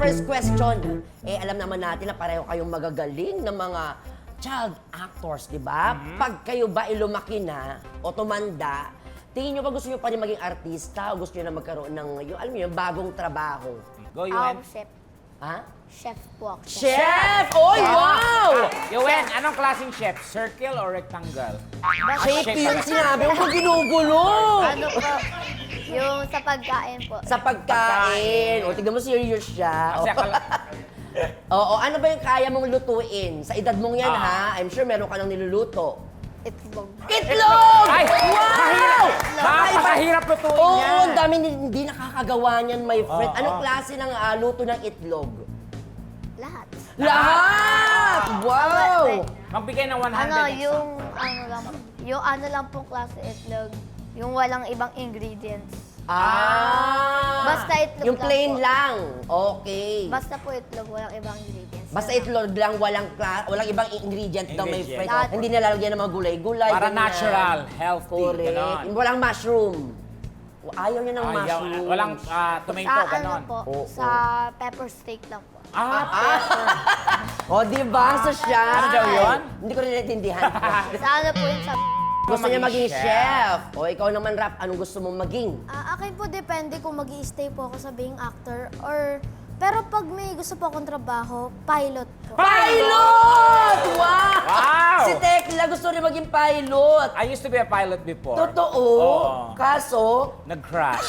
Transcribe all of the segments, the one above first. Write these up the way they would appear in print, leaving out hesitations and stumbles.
first question, alam naman natin na pareho kayong magagaling na mga child actors, di ba? Pag kayo ba lumaki na o tumanda, tingin nyo ba gusto nyo pa rin maging artista o gusto nyo na magkaroon ng, yung, alam mo yung bagong trabaho? Go, Yuen. Chef. Ha? Chef po ako. Chef! Oy, wow! Yuen, anong klaseng chef? Circle or rectangle? Shape yung sinabi mo, ginugulo! Ano po? Yung sa pagkain po. Sa pagkain. O, tignan mo, serious siya. Kasi akala... Oo, ano ba yung kaya mong lutuin? Sa edad mong yan, ha? I'm sure meron ka nang niluluto. Itlog. Itlog! Ay! Wow! Napakahirap lutuin Oo, yan. ang dami hindi nakakagawa niyan, my friend. Anong klase ng luto ng itlog? Lahat. Lahat! Wow! Magbigay ng 100 Ano, extra. yung ano lang pong klase itlog. Yung walang ibang ingredients. Basta itlog yung lang plain po. lang. Okay. Basta po itlog, walang ibang ingredients. Basta itlog lang, walang ibang ingredient daw, my Ingredient. friend. Lahat. Hindi nilalagyan ng mga gulay-gulay. Para ganyan. natural, healthy, Correct. ganon. Walang mushroom. Ayaw niya ng Ayaw, mushroom. walang tomato, Sa ano ganon. po, Oo. sa pepper steak lang po. Pepper. O, di ba? So siya. Ano daw yun? Hindi ko rin naintindihan. Sa ano po yun sa... Gusto niya maging Maging chef. O, ikaw naman, Rap, anong gusto mong maging? Akin po depende kung mag-i-stay po ako sa being actor or... Pero pag may gusto po akong trabaho, pilot po. Pilot! Wow! Wow! Si Tekla gusto rin maging pilot. I used to be a pilot before. Totoo. Oo. Kaso, Nag-crash.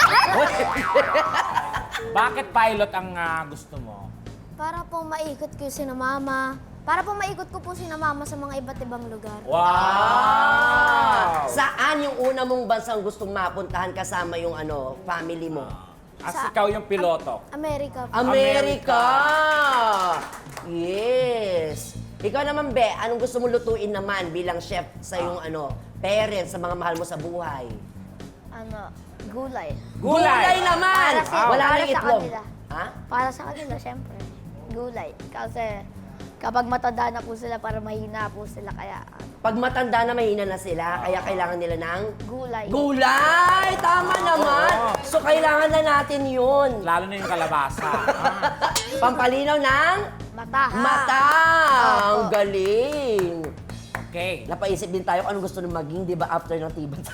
Bakit pilot ang gusto mo? Para po maikot ko yung sinamama. Para po maikot ko po sinamama sa mga iba't ibang lugar. Wow! saan yung una mong bansang gustong mapuntahan kasama yung family mo? As ikaw yung piloto. Amerika po. Amerika! Yes! Ikaw naman, Be, anong gusto mo lutuin naman bilang chef sa iyong parents, sa mga mahal mo sa buhay? Ano, gulay. Gulay naman! Wala para nang sa itlog. kanila. Ha? Para sa kanila, syempre. Gulay. Kasi kapag matanda na po sila, para mahina po sila. Kaya Pag matanda na, mahina na sila, kaya kailangan nila ng gulay. gulay! Tama naman! So, kailangan na natin yun. Lalo na yung kalabasa. Pampalinaw ng Mata. mata! Opo. Ang galing! Okay. Napaisip din tayo kung anong gusto nang maging, di ba, after ng tibat.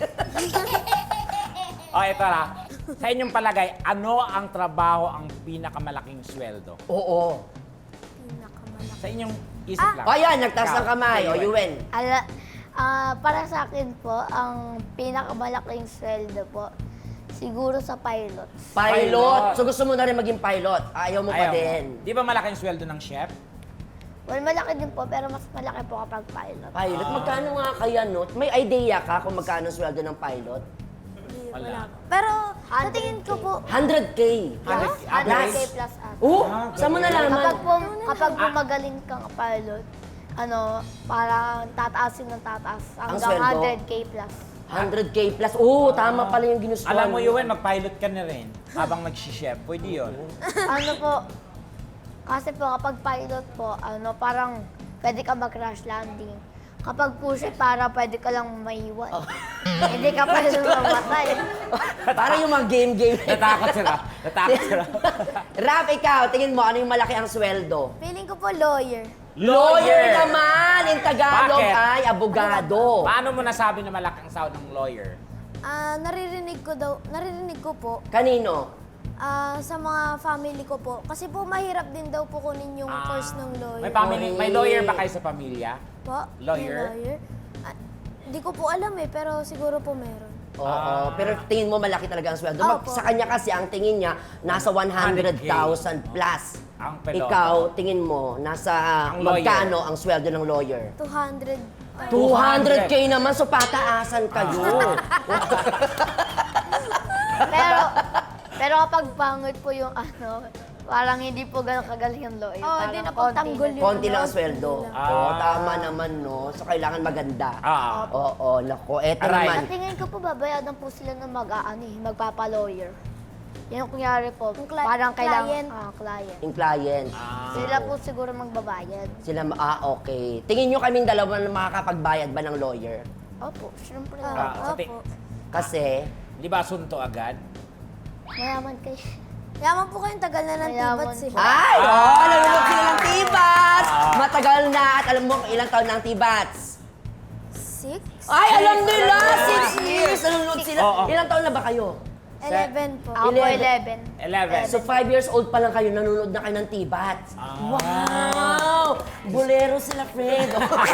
Ito na. Sa inyong palagay, ano ang trabaho ang pinakamalaking sweldo? Oo. Pinakamalaki. Sa inyong isip lang. O yan, nagtaas Ikaw, ng kamay. O, Yuen. Para sa akin po, ang pinakamalaking sweldo po, siguro sa pilot. Pilot. So, gusto mo na rin maging pilot. Ayaw mo pa Ayaw mo. din. Di ba malaking sweldo ng chef? Well, malaki din po, pero mas malaki po kapag pilot. Pilot, magkano nga kaya, no? May idea ka kung magkano ang sweldo ng pilot? Wala. Pero sa tingin ko po, 100K. 100K plus ata. Saan mo nalaman? Kapag po magaling kang pilot, parang tataasin ng tataas hanggang sweldo? 100K plus. 100K plus. Tama pala yung ginustuhan. Alam mo, Yuen, mag-pilot ka na rin habang nag-chef. Pwede yun. Kasi po kapag pilot po, parang pwede ka mag-crash landing. Kapag push para pwede ka lang maiwan. Hindi ka pwede mamatay. Parang yung mga game-game. Natakot sila. Natakot sila. Rap, ikaw, tingin mo, ano yung malaki ang sweldo? feeling ko po lawyer. Lawyer naman! In Tagalog Bakit? ay abogado. Paano mo nasabi na malaki ang sahod ng lawyer? Naririnig ko po Kanino? sa mga family ko po. Kasi po mahirap din daw po kunin yung course ng lawyer. May lawyer ba kayo sa pamilya? Po? Lawyer? May lawyer? Hindi ko po alam pero siguro po meron. Oo, pero tingin mo malaki talaga ang sweldo. Opo. Sa kanya kasi, ang tingin niya, nasa 100,000 plus. Ang peloton. Ikaw, tingin mo, nasa Ang lawyer. magkano ang sweldo ng lawyer? 200. 200K naman, so pataasan kayo. Pero kapag pangit po yung parang hindi po ganun kagaling yung lawyer. Oo, Parang di na po konti tanggol na. yun. Konti lang ang sweldo. Ah. Oo, tama naman, no? So, kailangan maganda. Oo, nako. Eto Aray. naman. Sa tingin ko po, babayadan po sila ng magpapa-lawyer. Yan ang kunyari po, parang kailangan, client. client. Yung client. Sila po siguro magbabayad. Okay. Tingin nyo kaming dalawa na makakapagbayad ba ng lawyer? Opo, syempre. Sa Opo. Kasi, Di ba sunto agad? Mayaman kayo. Yaman po kayong tagal na ng Mayaman tibats eh. po. Ay, nanonood sila ng Tibats. Matagal na. At alam mo kung ilang taon na ang Tibats? 6? Ay, alam nila! 6 years! Nanonood sila. Oo. Ilang taon na ba kayo? 11 po. Ako po 11. 11. 11. So 5 years old pa lang kayo, nanonood na kayo ng Tibats. Wow! Bolero sila, Fred.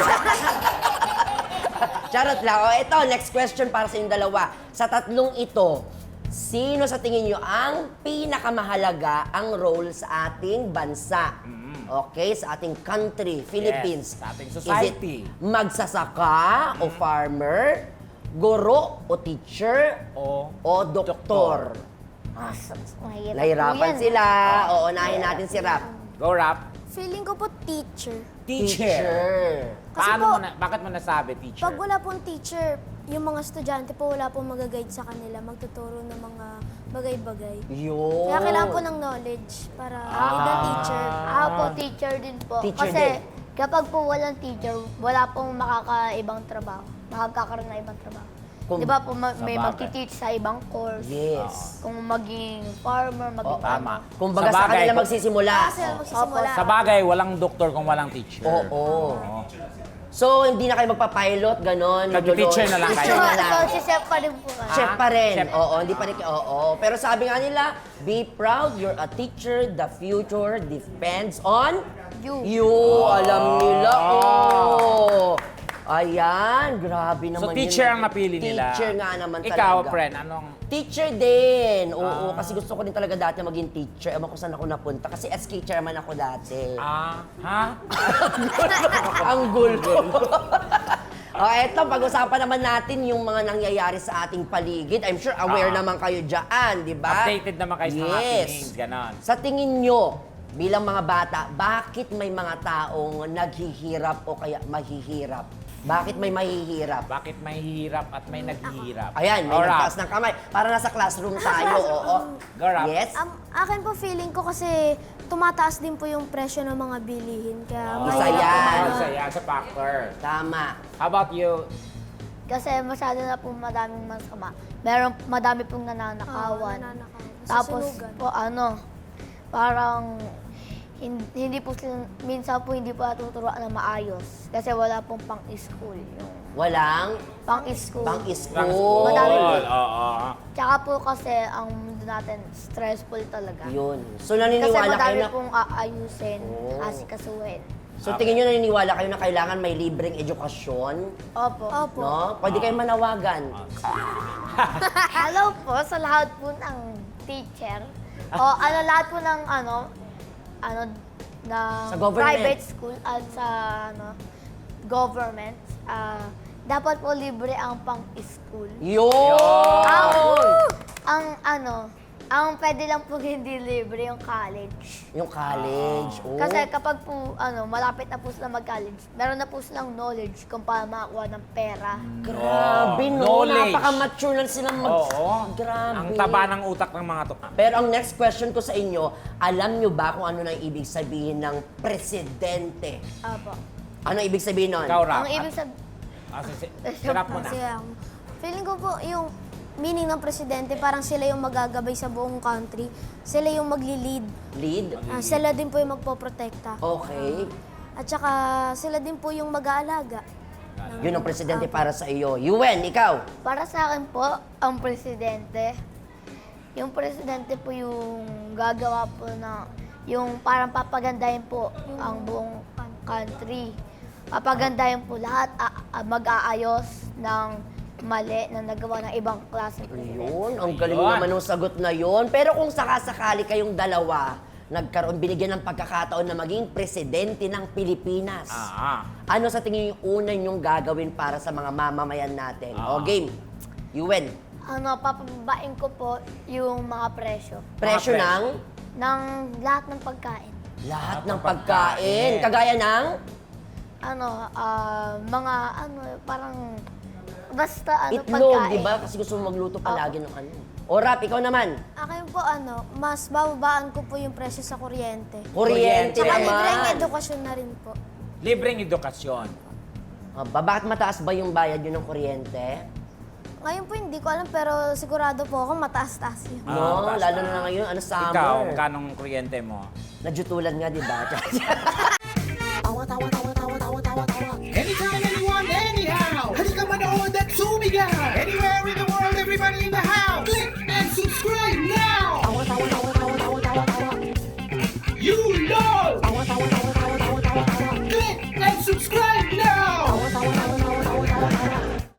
Charot lang. O, ito, next question para sa inyong dalawa. Sa tatlong ito, sino sa tingin nyo ang pinakamahalaga ang role sa ating bansa? Okay, sa ating country, Philippines. sa ating Is society. it magsasaka o farmer, guro o teacher, O doktor? Mahirap po Nahirapan yan. sila. Oo, unahin natin si Rap. Go, Rap. Feeling ko po teacher. Teacher. Kasi Paano po, mo na, bakit mo nasabi teacher? Pag wala pong teacher, yung mga estudyante po wala pong mag-guide sa kanila, magtuturo ng mga bagay-bagay. Yun. Kaya kailangan po ng knowledge para maging teacher. Ako po, teacher din po. Teacher Kasi din. kapag po walang teacher, wala pong makakaibang trabaho. Makakakaroon na ibang trabaho. Kung- Di ba po may Sabagay. magti-teach sa ibang course. Yes. Kung maging farmer, maging Tama. Kung baga sa kanila magsisimula. Kasi magsisimula. Sa bagay, walang doktor kung walang teacher. Oo. So, hindi na kayo magpa-pilot, ganon. Nag-teacher na lang Teacher kayo. na lang. So, si Chef pa rin po nga. Chef pa rin. Chef. Oo, hindi pa rin. Oo. Pero sabi nga nila, be proud, you're a teacher, the future depends on You. Alam nila. Oh. Ayan, grabe naman So, teacher ang napili nila. Teacher nga naman Ikaw, talaga. friend, anong... Teacher din. Oo, kasi gusto ko din talaga dati maging teacher. Ewan ko saan ako napunta. Kasi SK chairman ako dati. Ha? Ang gulo. Eto, pag-usapan naman natin yung mga nangyayari sa ating paligid. I'm sure aware naman kayo dyan, di ba? Updated naman kayo sa mga happenings, ganon. Sa tingin nyo, bilang mga bata, bakit may mga taong naghihirap o kaya mahihirap? Bakit may mahihirap? Bakit may hirap at may naghihirap? Ayan, may Go, Rap. nagtaas ng kamay. Para nasa classroom tayo, oo. Go, Rap. Yes? Akin po feeling ko kasi tumataas din po yung presyo ng mga bilihin. Kaya Isa mahirap po yan. mga- Isa yan sa factor. Tama. How about you? Kasi masyado na po madaming masama. Meron madami pong nananakawan. nananakaw. Tapos Nasusunugan. po parang hindi po sila, minsan po hindi po natuturuan na maayos. Kasi wala pong pang-school. Yung Walang pang-school. pang-school. Madami po. Oo. Tsaka po kasi ang mundo natin stressful talaga. Yun. So, Kasi naniniwala kayo madami na... pong aayusin, Oh. asikasuhin. So, tingin nyo naniniwala kayo na kailangan may libreng edukasyon? Opo. Opo. No? Pwede kayong manawagan. Hello po sa lahat po ng teacher. O lahat po ng na Sa government. private school at sa government. Dapat po libre ang pang-school. Yun! Ang pwede lang po hindi libre yung college. Yung college. Oh. Kasi kapag po malapit na po sila mag-college, meron na po silang knowledge kung paano makakuha ng pera. Grabe, no? Knowledge. Napaka-mature na silang Oo. Grabe. Ang taba ng utak ng mga to. Pero ang next question ko sa inyo, alam nyo ba kung ano na ibig sabihin ng presidente? Opo. Ano ibig sabihin nun? Ikaw, Rap. Ang ibig sabihin, Sirap mo na. Kasi feeling ko po yung meaning ng presidente, parang sila yung magagabay sa buong country. Sila yung magli-lead. Lead? Sila din po yung magpoprotekta. Okay. At saka sila din po yung mag-aalaga. Yun ang presidente para sa iyo. Yuen, ikaw? para sa akin po, ang presidente, yung presidente po yung gagawa po na, yung parang papagandahin po ang buong country. Papagandahin po lahat, mag-aayos ng mali na nagawa ng ibang klase presidente. Yun, ang galing Yun. naman ng sagot na yun. Pero kung sakasakali kayong dalawa, binigyan ng pagkakataon na maging presidente ng Pilipinas. Ano sa tingin yung una nyong gagawin para sa mga mamamayan natin? O game, Yuen. Papababain ko po yung mga presyo Presyo presyo. ng ng lahat ng pagkain. lahat ng ng pagkain. pagkain. Kagaya ng Mga parang basta itlog, pagkain. di ba? Kasi gusto mo magluto palagi ng ano. O Rap, ikaw naman. Akin po mas bababaan ko po yung presyo sa kuryente. Kuryente Tsaka naman. libreng edukasyon na rin po. Libreng edukasyon. Bakit mataas ba yung bayad yun ng kuryente? Ngayon po hindi ko alam pero sigurado po ako mataas-taas yun. No, taas lalo na. na ngayon, ano, summer. Ikaw, magkanong kuryente mo? Nadyutulan nga, di ba?